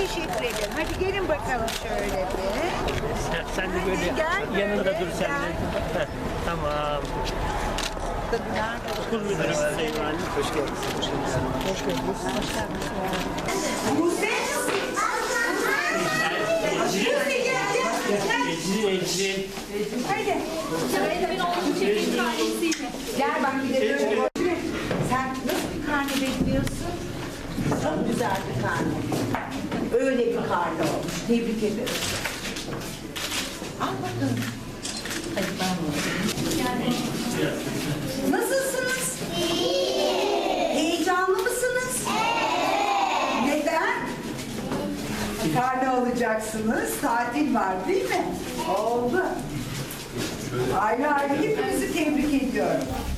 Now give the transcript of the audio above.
teşekkür ederim. Hadi gelin bakalım şöyle bir. Sen de böyle Gel yanında böyle, dur sen de. gel. Heh, tamam. Okul müdürü Sayın Valim. Hoş geldiniz. Hoş geldiniz. Ecrin. Gel bak gidelim. Sen nasıl bir karne bekliyorsun? Çok güzel bir karne. Öyle bir karne olmuş. Tebrik ederim. Al bakalım. Hadi ben nasılsınız? Heyecanlı mısınız? Neden? Karne alacaksınız. Tatil var değil mi? Oldu. Ayrı ayrı hepinizi tebrik ediyorum.